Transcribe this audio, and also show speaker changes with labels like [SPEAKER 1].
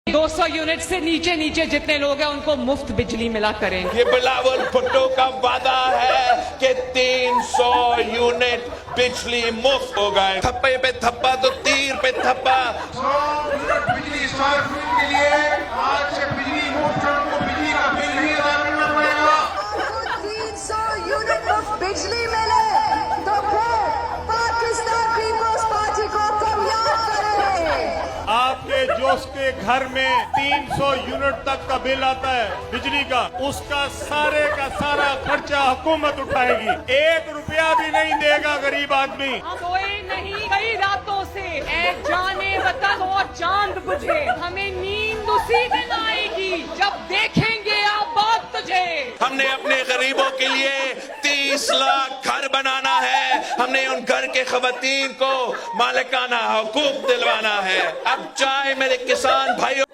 [SPEAKER 1] 200 unit से नीचे नीचे जितने लोग हैं उनको मुफ्त बिजली मिला करें।
[SPEAKER 2] ये बिलावल भुट्टो का वादा है कि 300 यूनिट बिजली मुफ्त हो गए। थप्पे पे थप्पा तो तीर पे थप्पा।
[SPEAKER 3] 100 यूनिट बिजली स्क्वायर फीट के लिए आज से बिजली मुफ्त, हमको बिजली का बिल नहीं अदा करना पड़ेगा।
[SPEAKER 4] 300 यूनिट मुफ्त बिजली मिले तो फिर पाकिस्तान पीपल्स पार्टी को कब याद करें।
[SPEAKER 5] आपके जोश के घर में 300 यूनिट तक का बिल आता है बिजली का, उसका सारे का सारा खर्चा हुकूमत उठाएगी। 1 रुपया भी नहीं देगा गरीब आदमी।
[SPEAKER 1] हम सोए नहीं कई रातों से, ऐ जाने वतन और चांद बुझे, हमें नींद उसी दिन आएगी जब देखेंगे आबाद तुझे।
[SPEAKER 2] हमने अपने गरीबों के लिए 30 लाख घर बनाना है। हमने उन घर के खवातीन को मालिकाना हुकूक दिलवाना है। अब चाहे मेरे किसान भाइयों